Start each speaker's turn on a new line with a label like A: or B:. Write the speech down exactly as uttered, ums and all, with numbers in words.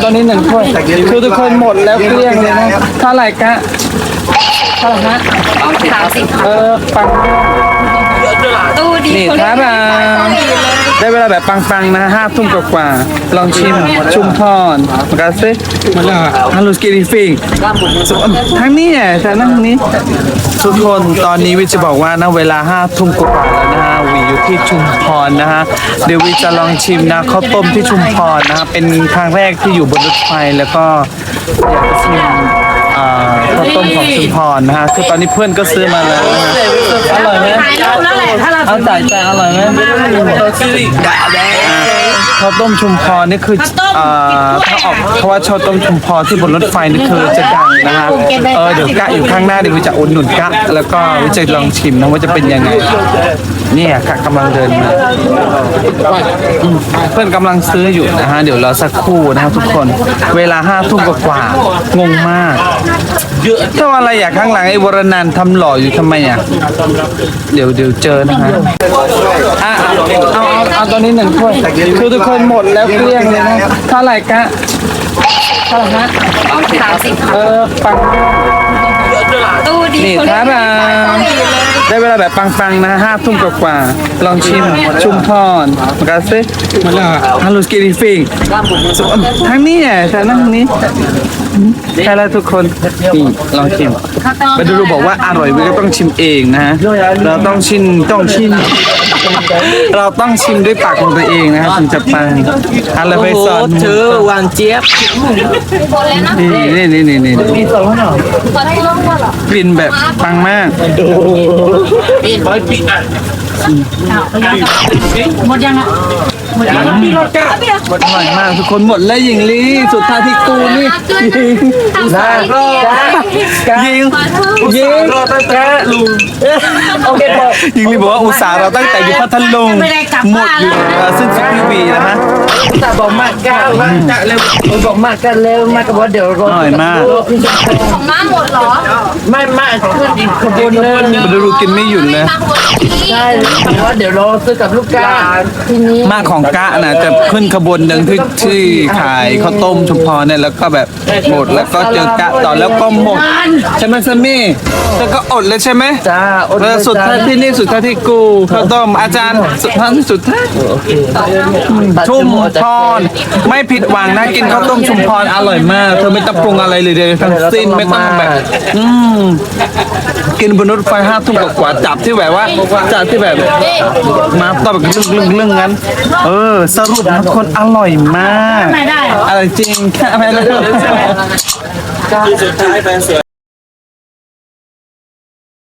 A: ตอนนี้หนึ่งถ้วยคือทุกคนหมดแล้วเกลี้ยงเลยนะเท่าไหร่กะเท่าไหร่ฮะ
B: สามสิบ
A: เออปัง
B: ตู้ดี
A: นี่ท้าบาได้เวลาแบบปังๆนะห้าทุ่มกว่าๆลองชิมชุมพรมากาเซ่มาแล้วฮัลโหลสกีดิฟิงทั้งนี้แหละแต่นั่งนี้ทุกคนตอนนี้วิจะบอกว่านะเวลาห้าทุ่มกว่าแล้วนะฮะวิอยู่ที่ชุมพรนะฮะเดี๋ยววิจะลองชิมนะข้าวต้มที่ชุมพรนะฮะเป็นครั้งแรกที่อยู่บนรถไฟแล้วก็อยากจะชิมข้าวต้มของชุมพรนะฮะคือตอนนี้เพื่อนก็ซื้อมาแล้วอร่อยไหมเอาจ่ายจ่ายอร่อยไหมข้าวต้มชุมพรนี่คือถ้าออกเพราะว่าข้าวต้มชุมพรที่บนรถไฟนี่คือจะดังนะฮะเออเดี๋ยวกะอยู่ข้างหน้าเดี๋ยววิจะอุดหนุนกะแล้วก็วิจะลองชิมนะว่าจะเป็นยังไงเนี่ยกะกำลังเดินมาเพื่อนกำลังซื้ออยู่นะฮะเดี๋ยวรอสักครู่นะครับทุกคนเวลาห้าทุ่มกว่างงมากถ้าอะไรอยากข้างหลังไอ้วรนันท์ทำหล่ออยู่ทำไมอ่ะเดี๋ยวเดี๋ยวเจอนะฮะอ่ะเอาเอาเอาตอนนี้หนึ่งถ้วยคือทุกคนหมดแล้วเกลี้ยงเลยนะเท่าไหร่กะเท่าไหร่ฮะ
B: สามสิบ
A: เออปัง
B: ตู้ดี
A: นี่ท้าบาได้เวลาแบบปังๆนะห้าทุ่มกว่าๆลองชิมชุมพรมากาเซ่มาแล้วฮัลโหลสกีดิฟิงทั้งนี้แหละแต่นั่งนี้ใช่แล้วทุกคนนี่ลองชิมไปดูบอกว่าอร่อยวิก็ต้องชิมเองนะฮะเราต้องชิมต้องชิมเราต้องชิมด้วยปากของตัวเองนะฮะถึงจะปังอะไรไปสอนเธอหวานเจี๊ยบนี่นี่นี่นี่กลิ่นแบบปังมาก
B: หมดยังอ่ะหมดยังพี่รถกะ
A: หมดอร่อยมากทุกคนหมดแล้วหญิงลีสุดท้ายที่กูนี่ยิงนะยิงยิงแกลุงโอเคพอหญิงลีบอกว่าอุตส่าห์เราตั้งแต่อยู่พัทลุงหมดอยู่ซึ่งสิบปีนะฮะ
C: แต่บอกมากกันมากกันเร็วบอกมากกันเร็วมากกับว่าเดี๋ยวรอ
A: อร่อยมาก
B: ของน้าหมดเหรอ
C: ไม่ไม่ขึ้นอีกขบวนนึง
A: มาดูกินไม่หยุดเลย
C: ใช่ว่าเดี๋ยวรอซื้อกับลูกค้าทีนี้
A: มากของกะนะจะขึ้นขบวนหนึ่งที่ที่ขายข้าวต้มชุมพรเนี่ยแล้วก็แบบหมดแล้วก็เจอกะต่อแล้วก็หมดใช่ไหมซัมมี่แล้วก็อดเลยใช่ไหม
C: จ้าอด
A: เลยสุดท้ายที่นี่สุดท้ายที่กูข้าวต้มอาจารย์สุดท้ายที่สุดท้ายชุมพรไม่ผิดหวังนะกินข้าวต้มชุมพรอร่อยมากเธอไม่ต้องปรุงอะไรเลยเลยทั้งสิ้นไม่ต้องแบบอืมกินบนรถไฟห้าทุ่มกว่าจับที่แบบว่าจับที่แบบมาต่อแบบลึ่งๆลึ่งงั้นเออสรุปนะคนอร่อยมากอะไรจริงแค่ไม่ได้